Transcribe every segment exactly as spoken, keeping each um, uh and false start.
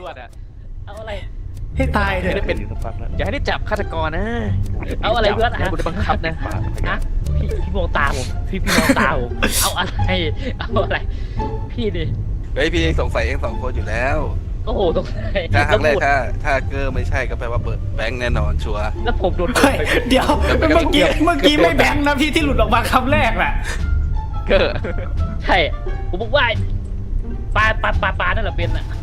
วดอ่ะเอาอะไรให้ตายเถไม่ได้อะเป็นอย่าให้ได้จับฆาตกรนะเอาอะไรเพื่อนให้บุญบังคับนะอะพี่พี่มองตาผมพี่พี่มองตาผมเอาอะไรเอาอะไรพี่ดิเฮ้ยพี่เองสงสัยเองสองคนอยู่แล้วโอ้โหตรงไหนถ้าครั้งแรกแล้วถ้าถ้าเกอร์ไม่ใช่ก็แปลว่าเบิร์ดแบงค์แน่นอนชัวร์แล้วผมโดนเฮ้ยเดี๋ยวเมื่อกี้เมื่อกี้ไม่แบงค์นะพี่ที่หลุดออกมาคำแรกน่ะเก็ใช่ผมบอกว่าปลาปลาปลาปลานั่นแหละเป็นอ่ะ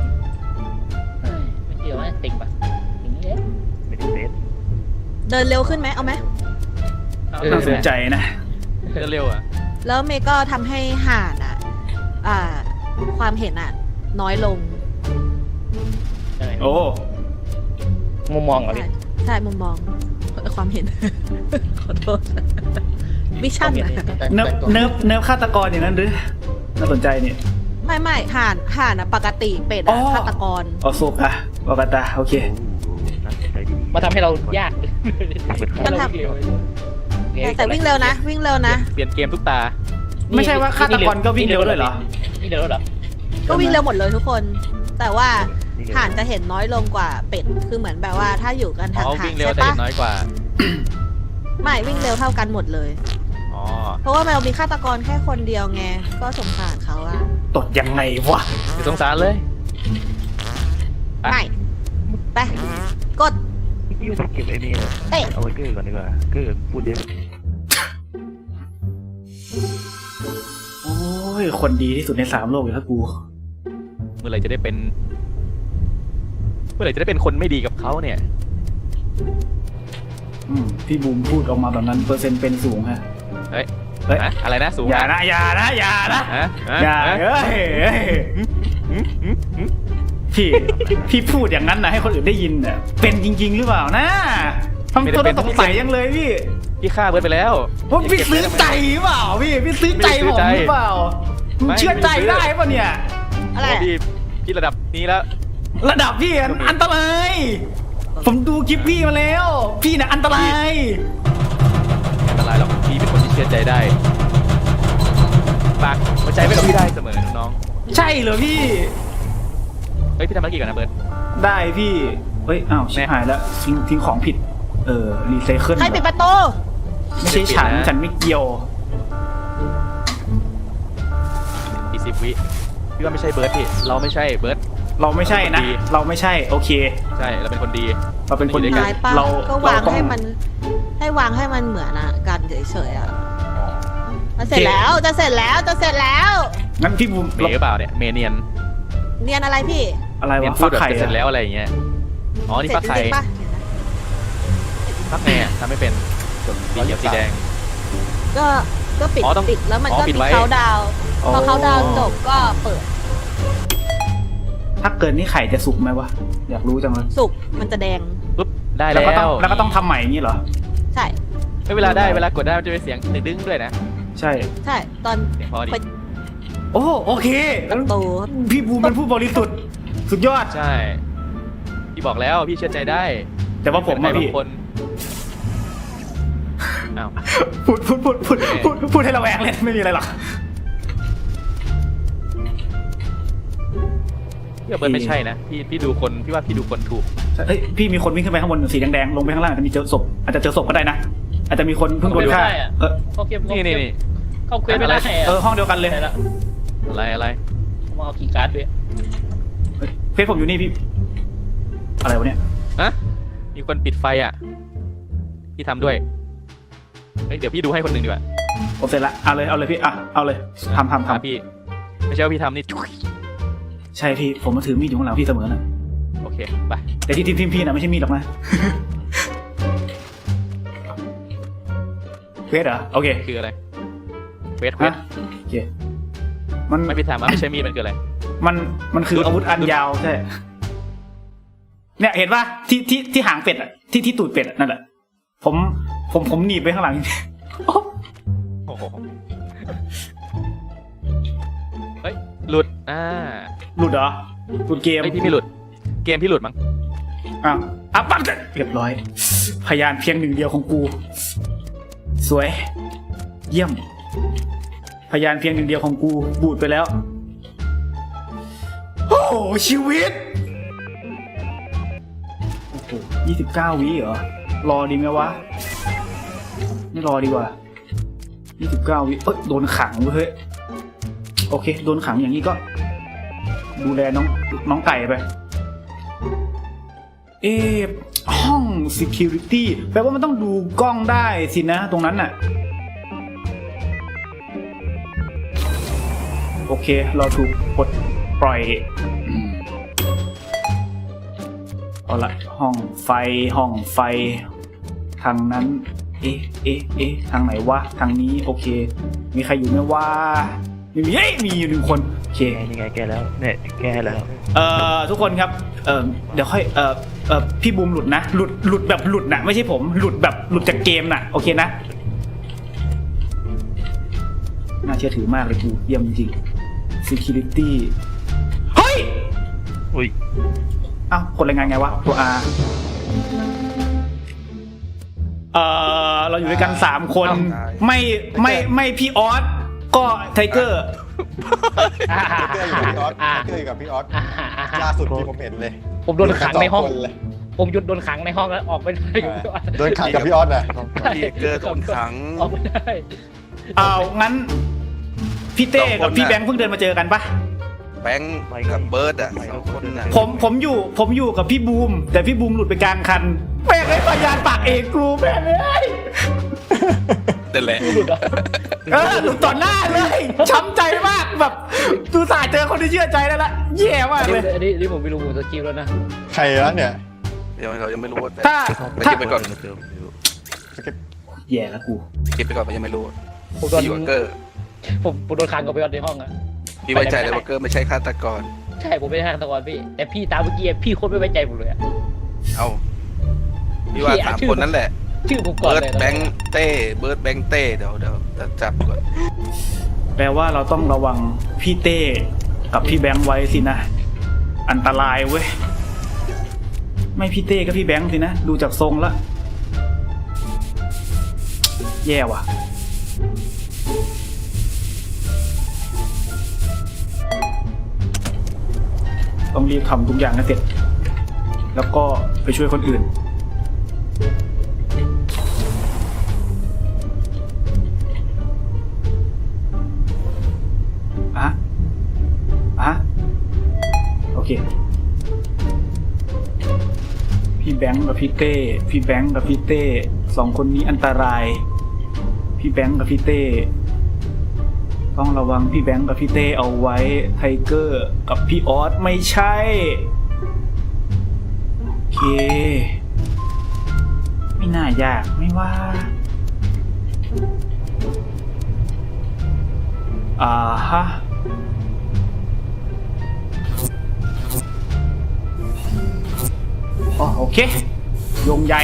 ไม่เกี่ยวนะติ่งปะอย่างนี้เองไม่ได้เซตเดินเร็วขึ้นไหมเอาไหมน่าสนใจนะเร็วอ่ะแล้วเมย์ก็ทำให้ห่านอ่ะ อ่า ความเห็นอ่ะ น้อยลงโอ้มุมมองเหรอพี่ใช่ใช่มุมมองความเห็น ขอโทษวิชั่นอะเนิบเนิบเนิบฆาตกรอย่างนั้นหรือน่าสนใจนี่ไม่ไม่ห่านห่านอ่ะปกติเป็ดอ๋อ่ะอฆาตกรโอโซกะวากาตาโอเคมาทำให้เรายากมันทำเร็วแต่แต่วิ่งเร็วนะ วิ่งเร็วนะเปลี่ยนเกมทุกตาไม่ใช่ว่าฆาตกรก็วิ่งเร็วด้วยเหรอวิ่งเร็วเหรอก็วิ่งเร็วหมดเลยทุกคน แต่ว่าห่านจะเห็นน้อยลงกว่าเป็ด คือเหมือนแบบว่าถ้าอยู่กันอ๋ห่าอง วิ่งๆเร็วใช่แต่ปะเห็นน้อยกว่าไม่วิ่งเร็วเท่ากันหมดเลยอ๋อเพราะว่าเรามีฆาตกรแค่คนเดียวไง ก็สงสารเขาอะตดยังไงวะเดี๋ยวสงสารเลยไม่ ไป กดพี่ว่าจะเก็บไอ้นี่นะเตะเอาไว้เกอร์ก่อนดีกว่าเกอร์พูดเยอะโอ้ยคนดีที่สุดในสามโลกอยู่แล้วกูเมื่อไหร่จะได้เป็น เมื่อไหร่จะได้เป็นคนไม่ดีกับเขาเนี่ยอืมพี่บูมพูดออกมาแบบนั้นเปอร์เซ็นต์เป็นสูงฮะเฮ้ยเฮ้ยอะอะไรนะสูงอย่านะอย่านะอย่านะฮะฮะอย่าฮะเอ้ยเอ้ยพี่พี่พูดอย่างนั้นนะให้คนอื่นได้ยินน่ะเป็นจริง ๆ หรือเปล่านะทำตัวต้องสงสัยยังเลยพี่พี่ฆ่าเบิร์ดไปแล้วว่าพี่ซื้อใจหรือเปล่าพี่พี่ซื้อใจผมหรือเปล่าไม่เชื่อใจได้ป่ะเนี่ยอะไรโอ้พี่พี่ระดับนี้แล้วระดับพี่อันอันตรายผมดูคลิปพี่มาแล้ว พี่น่ะอันตรายอันตรายหรอกพี่เป็นคนที่เชื่อใจได้ฝากหัวใจไว้กับพี่ได้เสมอน้องใช่เหรอพี่ๆเฮ้ยพี่ทำธุรกิจก่อนนะเบิร์ดได้พี่เฮ้ยอ้าวชิบหายแล้วทิ้งทิ้งของผิดเออรีไซเคิลใครปิดประตูไม่ใช่ฉันฉันไม่เกี่ยวอีกสิบวิพี่ว่าไม่ใช่เบิร์ดพี่เราไม่ใช่เบิร์ดเราไม่ใช่นะดีเราไม่ใช่โอเคใช่เราเป็นคนดีเราเป็นคนดีหายปะเราก็วางเรต้องให้มัน ให้วางให้มันเหมือนอะกันเฉยๆอะมันเสร็จแล้วจะเสร็จแล้วจะเสร็จแล้วงั้นพี่บูมเมย์หรือเปล่าเนี่ยเมเนียนเนียนอะไรพี่อะไรเมนวะพูฟัดกแบบไข่จะเสร็จอะแล้วอะไรอย่างเงี้ยอ๋อนี่เสร็ฟัจกจไข่ริงๆปะฟักไงอะทำไม่เป็นสีเขียวสีแดงก็ก็ปิดอ๋อต้องปิดแล้วมันอ๋อก็ปิดมีไว้เขาดาวน์พอเขาดาวน์จบก็เปิดถ้าเกิดนี่ไข่จะสุกไหมวะอยากรู้จังเลยสุกมันจะแดงปุ๊บได้แล้แล้ว วก็ต้องแล้วก็ต้องทำใหม่อย่างนี้เหรอใช่ไม่เวลาได้เวลากดได้มันจะเป็นเสียงดึงๆด้วยนะใช่ใช่ตอนเสียงพอดีโอ้โอเคประตูพี่บูมเป็นผู้บริสุทธิ์สุดยอดใช่พี่บอกแล้วพี่เชื่อใจได้แต่ว่าผมใครอะบาพี่งคนอ้าวพูดพูดพูดพูดพูดพูดให้ระแวงเลยไม่มีอะไรหรอกพี่ว่าเบิร์ดไม่ใช่นะพี่พี่ดูคนพี่ว่าพี่ดูคนถูกเอ้ยพี่มีคนวิ่งขึ้นไปข้างบนสีแดงๆลงไปข้างล่างอาจจะมีเจอศพอาจจะเจอศพก็ได้นะอาจจะมีคนเพิ่งโดนฆ่าเออเขาเก็บนี่นี่นี่เขาเควสไม่ได้เออห้องเดียวกันเลยได้ละอะไรอะไรมาเอาคีย์การ์ดด้วยเฮ้ยเฟซผมอยู่นี่พี่อะไรวะเนี่ยฮะมีคนปิดไฟอ่ะพี่ทำด้วยเฮ้ยเดี๋ยวพี่ดูให้คนหนึ่งดีกว่าผมเสร็จละเอาเลยเอาเลยพี่อ่ะเอาเลยทำทำอ่ะทำพี่ไม่ใช่ว่าพี่ทำนี่จุ๊ยใช่พี่ผมมาถือมีดอยู่ข้างหลังพี่เสมอนะโอเคไปแต่ที่ทีมทีมพี่นะไม่ใช่มีดหรอกนะเฟซเหรอโอเคคืออะไรเวทเวฮะทโอเคมันไม่พี่ทำอ่ะไม่ใช่มีดมันคืออะไรมันมันคืออาวุธอันยาวใช่เนี่ยเห็นป่ะที่ที่ที่หางเป็ดอ่ะที่ที่ตูดเป็ดอะนั่นแหละผมผมผมหนีบไปข้างหลังโอ้โหเฮ้ยหลุดอ่าหลุดเหรอหลุดเกมเฮ้ยพี่ไม่หลุดเกมพี่หลุดมั้งอ้าวอ่ะปั๊บเรียบร้อย พยานเพียงหนึ่งเดียวของกู สวย เยี่ยม พยานเพียงหนึ่งเดียวของกูบูดไปแล้ว โอ้โหชีวิตยี่สิบเก้าวิเหรอ รอดีไหมวะ ไม่รอดีกว่ายี่สิบเก้าวิเอ้ยโดนขังเว้ยโอเคโดนขังอย่างนี้ก็ ดูแลน้องน้องไก่ไป เอ๊ะห้อง security แปลว่ามันต้องดูกล้องได้สินะตรงนั้นน่ะ โอเคเราถูกปลดปล่อยอืมเอาละห้องไฟห้องไฟทางนั้นเอ๊ะเอ๊ะเอ๊ะทางไหนวะทางนี้โอเคมีใครอยู่ไหมวะไม่มีเอ้ยมีอยู่หนึ่งคนโอเคแกยังไงแกแล้วเนี่ยแกแล้วเอ่อทุกคนครับเอ่อเดี๋ยวค่อยเอ่อเอ่อพี่บูมหลุดนะหลุดหลุดแบบหลุดนะไม่ใช่ผมหลุดแบบหลุดจากเกมน่ะโอเคนะน่าเชื่อถือมากเลยกูเยี่ยมจริง security เฮ้ยอุ้ยอ้าวกดรายงานไงวะตัว R เอ่อเราอยู่ด้วยกันสามคน ไม่ไม่ไม่พี่ออสก็ไทเกอร์อ่าเกอร์อยู่กับพี่ออสอ่าเกอร์อยู่กับพี่ออสอ่าอ่าล่าสุดที่ผมเห็นเลยผมโดนขังในห้องสคนเลยผมหยุดโดนขังในห้องแล้วออกไม่ได้อยู่โดนขังกับพี่ออสนะพี่เกอร์โดนขังออกไม่ได้อ้าวงั้นพี่เต้กับพี่แบงค์เพิ่งเดินมาเจอกันปะแบงค์กับเบิร์ดอ่ะสองคนน่ะผมผมอยู่ผมอยู่กับพี่บูมแต่พี่บูมหลุดไปกลางคันแม่งไอ้พยานปากเอกกูแม่งเอ้ยนั่นแหละหลุดเหรอเออหลุดต่อหน้าเลยช้ำใจมากแบบตูสายเจอคนที่เชื่อใจแล้วละแย่มากเลยอันนี้อันนี้ผมไม่รู้ผมสกิลแล้วนะใครวะเนี่ยเดี๋ยวเรายังไม่รู้แต่ถ้าไปถ้าคิดไปก่อนเจออยู่แย่แล้วกูคิดไปก่อนมันยังไม่รู้ผมโดนพี่วอเกอร์ผมผมโดนขังกับไปออสในห้องอะพี่ไว้ใจเลยวอเกอร์ไม่ใช่ฆาตกรใช่ผมไม่ได้ทางตะกอนพี่แต่พี่ตามเมื่อกี้พี่โคตรไม่ไว้ใจผมเลยอะเอาพี่ว่าพี่อ่ะสามชื่อคนนั่นแหละชื่อผมก่อนเบิร์ดเลยแบงค์เต้เบิร์ดแบงค์เต้เดี๋ยวเดี๋ยวจะจับก่อนแปลว่าเราต้องระวังพี่เต้กับพี่แบงค์ไว้สินะอันตรายเว้ยไม่พี่เต้ก็พี่แบงค์สินะดูจากทรงละแย่ว่ะต้องรีบทำทุกอย่างให้เสร็จแล้วก็ไปช่วยคนอื่นอะอะโอเคพี่แบงค์กับพี่เต้พี่แบงค์กับพี่เต้สองคนนี้อันตรายพี่แบงค์กับพี่เต้ต้องระวังพี่แบงค์กับพี่เต้เอาไว้ไทเกอร์กับพี่ออสไม่ใช่โอเคไม่น่ายากไม่ว่าอ่าฮะอ๋อโอเคโยงใหญ่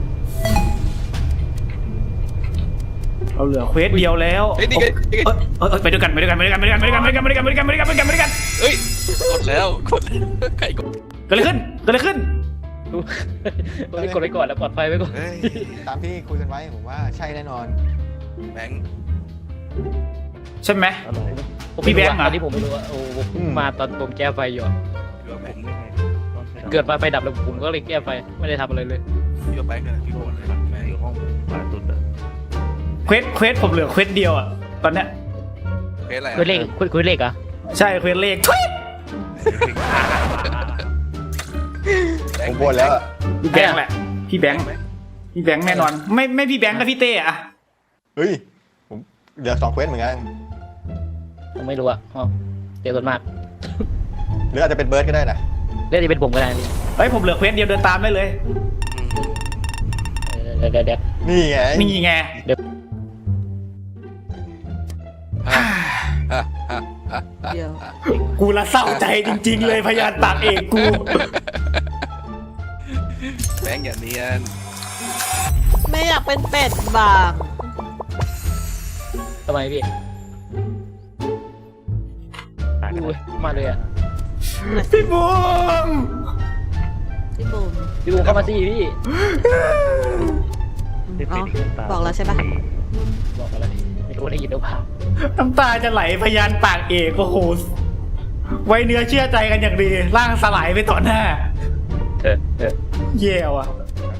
เราเหลือเควสเดียวแล้วเฮ้ยนี่ไงนี่ไงเอ้ยเอ้ยเอ้ยไปด้วยกันไปด้วยกันไปด้วยกันไปด้วยกันไปด้วยกันไปด้วยกันไปด้วยกันไปด้วยกันไปด้วยกันไปด้วยกันไปด้วยกันเฮ้ยกดแล้วกดแล้วใครกดเกิดอะไรขึ้นเกิดอะไรขึ้นผมไม่กดไว้ก่อนแล้วปลอดภัยไว้ก่อนเฮ้ยตามที่คุยกันไว้ผมว่าใช่แน่นอนแบงค์ใช่ไหมอะไรผมพี่ไม่รู้แบงค์เหรออันนี้ผมไม่รู้ว่าโอ้ผมเพิ่งมาตอนผมแก้ไฟอยู่อะพี่ว่าแบงค์เกิดมาไฟดับแล้วผมก็เลยแก้ไฟไม่ได้ทำอะไรเลยพี่ว่าแบงค์กันพี่ว่าอะไรแบงค์อยู่ห้องขวาสุดอะเควสเควสผมเหลือเควสเดียวอะตอนเนี้ยเควสอะไรคุยเลขคุยคุยเลขเหรอใช่เควสเลขทุยผมบ่นแล้วอะพี่แบงค์แหละพี่แบงค์พี่แบงค์แน่นอน ไม่ไม่พี่แบงค์กับพี่เต้อะเฮ้ยผมเดี๋ยวสองเควสเหมือนกันผมไม่รู้อะอ๋อเดี๋ยวส่วนมากหรืออาจจะเป็นเบิร์ดก็ได้นะเรื่องที่เป็นผมก็ได้พี่เฮ้ยผมเหลือเควสเดียวเดินตามได้เลยเดี๋ยวเดี๋ยวเดี๋ยวนี่ไงนี่ไงอ่ะอ่ะอ่ะอ่ะเดี๋ยวกูละเศร้าใจจริง ๆ เลยพยานปากเอกกูแบงค์อย่าเนียนไม่อยากเป็นเป็ดบางทำไมพี่ตายกันอุ้ยมาเลยอะพี่บูมพี่บูมพี่บูมเข้ามาสิพี่อ๋อบอกแล้วใช่ปะบอกอะไรไม่รู้ได้ยินหรือเปล่าน้ำตาจะไหลพยานปากเอกโอ้โหไว้เนื้อเชื่อใจกันอย่างดีร่างสลายไปต่อหน้าเออเออแย่ว่ะ